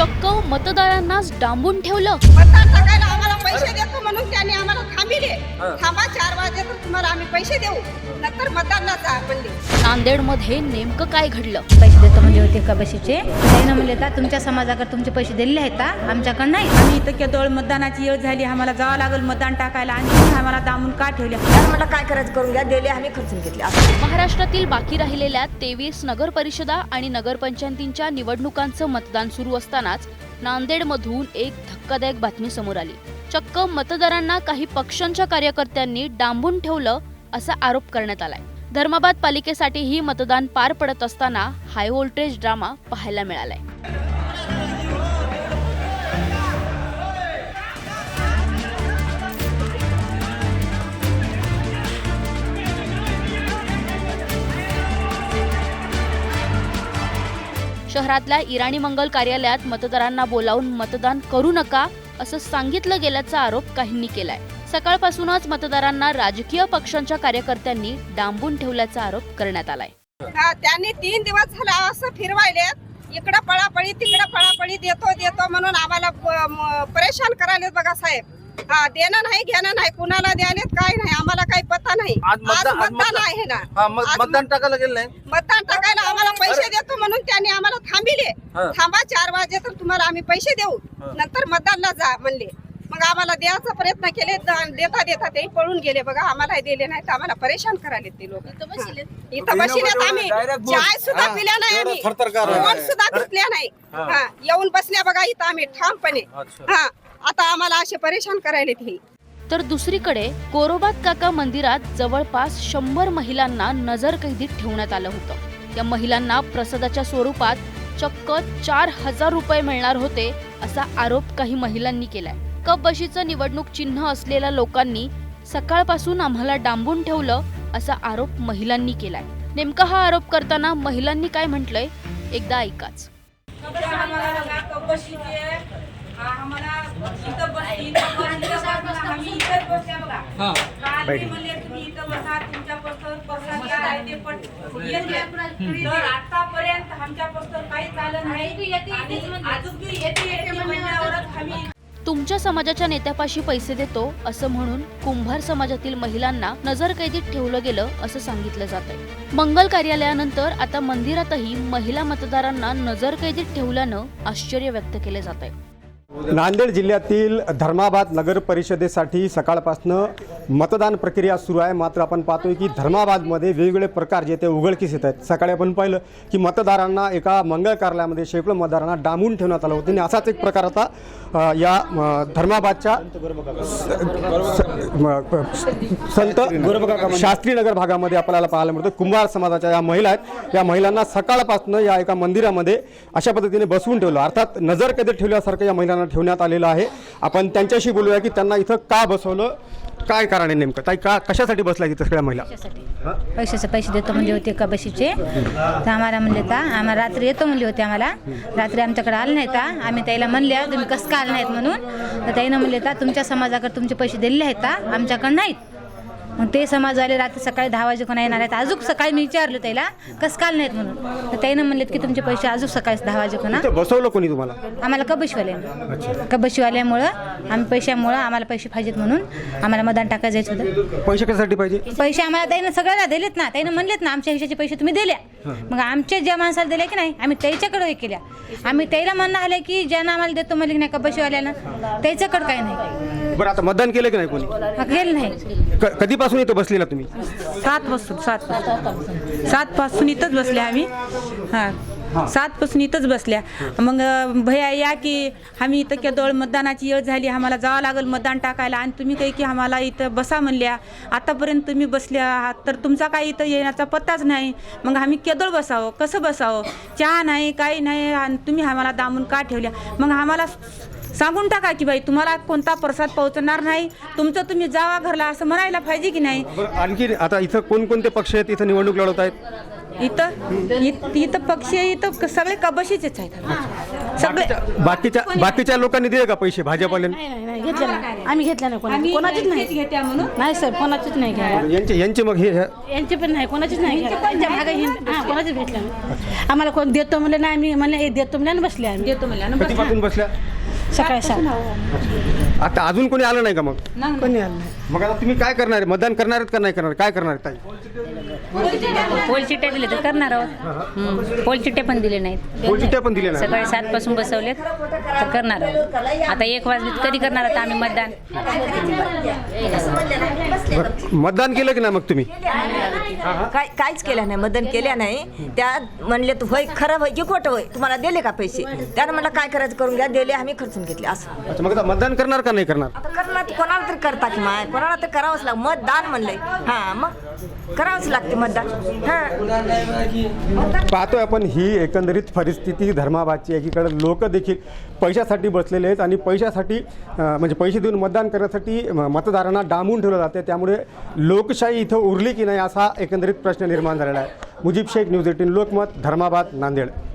चक्क मतदारांनाच डांबून ठेवलं। मतदान टाकायला आम्हाला पैसे देतो म्हणून त्यांनी आम्हाला थांबिले। थांबा 4 वाजे तर तुम्हाला आम्ही पैसे देऊ, नंतर मतदानला जा म्हणले। नांदेडमध्ये नेमकं काय घडलं? पैसे देतो म्हणजे होते का बशीचे त्यानं म्हणले का तुमच्या समाजाकडे तुमचे पैसे दिलेले आहेत का, आमच्याकडे नाही। आम्ही इथं केवळ मतदानाची वेळ झाली, आम्हाला जावं लागेल मतदान टाकायला आणि तुम्ही आम्हाला दामून का ठेवले? तर म्हटलं काय करायचं करून घ्या, दिले आम्ही खर्चून घेतले। महाराष्ट्रातील बाकी राहिलेल्या 23 नगर परिषदा आणि नगरपंचायतींच्या निवडणुकांचं मतदान सुरू असतानाच नांदेडमधून एक धक्कादायक बातमी समोर आली। चक्क मतदारांना काही पक्षांच्या कार्यकर्त्यांनी डांबून ठेवलं असा आरोप करण्यात आलाय। धर्माबाद पालिकेसाठीही मतदान पार पडत असताना हाय व्होल्टेज ड्रामा पाहायला मिळालाय। शहरातल्या इराणी मंगल कार्यालयात मतदारांना बोलावून मतदान करू नका असं सांगितलं गेल्याचा आरोप काहींनी केलाय। सकाळपासूनच मतदारांना राजकीय पक्षांच्या कार्यकर्त्यांनी डांबून ठेवल्याचा आरोप करण्यात आलाय। त्यांनी 3 दिवस झाला असं फिरवायलेत, इकडं पळापळी तिकडं पळापळी, देतो म्हणून आम्हाला परेशान करायलेत बघा साहेब। देणं नाही घेणं नाही, कुणाला द्यालेत काय नाही आम्हाला काही पता नाही। आज मतदान आहे ना, मतदान टाकायला गेलं नाही। मतदान टाकायला आम्हाला पैसे देतो म्हणून त्यांनी आम्हाला थांबिले। थांबा 4 वाजे तर तुम्हाला आम्ही पैसे देऊ, नंतर मतदानला जा म्हणले। मग आम्हाला द्यायचा प्रयत्न केले, देता ते पळून गेले बघा। आम्हाला दिले नाही तर आम्हाला परेशान करायले ते लोक। इथं बसलेत, आम्ही चाय सुद्धा पिल्या नाही, आम्ही फोन सुद्धा घेतल्या नाही। येऊन बसल्या बघा इथं आम्ही ठामपणे। आता आम्हाला असे परेशान करायले ते। तर दुसरीकडे गोरोबात काका मंदिरात जवळपास 100 महिलांना नजरकैदीत ठेवण्यात आलं होतं। या महिलांना प्रसादाच्या स्वरूपात चक्क 4000 रुपये मिळणार होते असा आरोप काही महिलांनी केलाय। कप बशीचं निवडणूक चिन्ह असलेल्या लोकांनी सकाळपासून आम्हाला डांबून ठेवलं असा आरोप महिलांनी केलाय। नेमका हा आरोप करताना महिलांनी काय म्हटलंय एकदा ऐकाच। आतापर्यंत आमच्यापासून काही झालं नाही। तुमच्या समाजाच्या नेत्यापाशी पैसे देतो असं म्हणून कुंभार समाजातील महिलांना नजरकैदीत ठेवलं गेलं असं सांगितलं जातंय। मंगल कार्यालयानंतर आता मंदिरातही महिला मतदारांना नजरकैदीत ठेवल्यानं आश्चर्य व्यक्त केले जातंय। नांदेड जिल्ह्यातील धर्माबाद नगर परिषदेसाठी सकाळपासून मतदान प्रक्रिया सुरू आहे। मात्र आपण पाहतोय की धर्माबादमध्ये वेगवेगळे प्रकार जे ते उघडकीस येत आहेत। सकाळी आपण पाहिलं की मतदारांना एका मंगल कार्यालयामध्ये शेकडो मतदारांना डांबून ठेवण्यात आलं होतं आणि असाच एक प्रकार आता या धर्माबादच्या संत शास्त्री नगर भागामध्ये आपल्याला पाहायला मिळतं। कुंभार समाजाच्या या महिला आहेत, या महिलांना सकाळपासून या एका मंदिरामध्ये अशा पद्धतीने बसवून ठेवलं, अर्थात नजरकैदेत ठेवल्यासारखं या महिलांना ठेवण्यात आलेलं आहे। आपण त्यांच्याशी बोलूया की त्यांना इथं का बसवलं, काय कारण आहे नेमकं, ताई का कशासाठी बसला की सगळ्या महिला? पैसे देतो म्हणजे होते का बशीचे तर आम्हाला म्हणले का आम्हाला रात्री येतो म्हणले होते। आम्हाला रात्री आमच्याकडे आले नाही का, आम्ही त्याला म्हणल्या तुम्ही कसं का आले नाहीत म्हणून, तर त्यानं म्हणले का तुमच्या समाजाकडे तुमचे पैसे दिलेले आहेत का, आमच्याकडे नाहीत। मग ते समाजवाले रात्री सकाळी 10 वाजेकडून येणार आहेत। अजून सकाळी मी विचारलं त्याला कसं काल नाहीत म्हणून, तर त्यानं म्हणलेत की तुमचे पैसे अजून सकाळी 10 वाजेकडून बसवलं कोणी तुम्हाला? आम्हाला कबशीवाल्यामुळं आम्ही पैशामुळं आम्हाला पैसे पाहिजेत म्हणून आम्हाला मतदान टाकायचं होतं। पैसे कशासाठी पाहिजे? पैसे आम्हाला त्यानं सगळ्याला दिलेत ना, त्यानं म्हणलेत ना आमच्या हिशाचे पैसे तुम्ही दिल्या। मग आमच्या ज्या माणसाला दिले की नाही आम्ही त्याच्याकडे हे केल्या। आम्ही त्याला म्हणणं आलं की ज्यानं आम्हाला देतो म्हणले की नाही कबशीवाल्यानं, त्याच्याकडे काही नाही। बरं, आता मतदान केलं की नाही कोणी? केलं नाही। कधीपासून इथं बसलेला तुम्ही? 7 पासून इथंच बसल्या आम्ही। 7 पासून इथंच बसल्या। मग भैया या की आम्ही इथं केवळ मतदानाची वेळ झाली, आम्हाला जावं लागेल मतदान टाकायला आणि तुम्ही काही की आम्हाला इथं बसा म्हणल्या। आतापर्यंत तुम्ही बसल्या आहात तर तुमचा काही इथं येण्याचा पत्ताच नाही। मग आम्ही केवळ बसावं, कसं बसावं, चहा नाही काही नाही आणि तुम्ही आम्हाला दामून का ठेवल्या? मग आम्हाला सांगून टाका की बाई तुम्हाला कोणता प्रसाद पोहोचणार नाही, तुमचं तुम्ही जावा घरला असं म्हणायला पाहिजे की नाही? आणखी आता इथं कोणकोणते पक्ष आहेत इथं निवडणूक लढवत आहेत? इथं पक्षी इथं सगळे कबशीचेच आहेत सगळे. बाकीच्या लोकांनी दिले का पैसे भाजपवाल्यांनी? नाही घेतले नाही आम्ही घेतल्या नाही कोणाचीच नाही घेत्या म्हणून नाही सर कोणाचीच नाही घ्या यांचे मग हे यांचे पण नाही कोणाचीच नाही घ्या कोणाचीच भेटल्या नाही आम्हाला कोण देतो म्हणलं नाही आम्ही म्हणलं हे देतो म्हणलं आणि बसले आम्ही देतो म्हणल्या ना. कधीपासून बसल्या? सकाळी 7 आता अजून कोणी आलं नाही का मग? कोणी आलं नाही मग आता तुम्ही काय करणार आहे? मतदान करणार आहेत का नाही करणार? काय करणार आहेत ताई? पोल चिट्ट्या दिले तर करणार आहोत. पोल चिट्ट्या पण दिले नाहीत. पोल चिठ्ठ्या पण दिल्या नाही. सकाळी 7 पासून बसवलेत तर करणार आहोत. आता 1 वाजले कधी करणार आहोत आम्ही मतदान. बरं. मतदान केलं की नाही मग तुम्ही? काहीच केलं नाही, मतदान केल्या नाही. त्या म्हणले तू होय खरं होय की खोटं होय, तुम्हाला दिले का पैसे? त्यानं म्हणलं काय करायचं करून घ्या, दिले आम्ही खर्चून घेतले असं. अच्छा, मग आता मतदान करणार का नाही करणार? आता करणार कोणाला तरी करता की माय, कोणाला तर करावंच लागतं. मतदान म्हणलंय हा मग करावंच लागते मतदान. हा पाहतोय आपण ही एकंदरीत परिस्थिती धर्माबादची. एकीकडे लोक देखील पैशासाठी बसलेले आहेत आणि पैशासाठी म्हणजे पैसे देऊन मतदान करण्यासाठी मतदारांना डांबून ठेवलं जाते. त्यामुळे लोकशाही इथं उरली की नाही असा एकंदरीत प्रश्न निर्माण झालेला आहे. मुजीब शेख, न्यूज 18 लोकमत, धर्माबाद, नांदेड.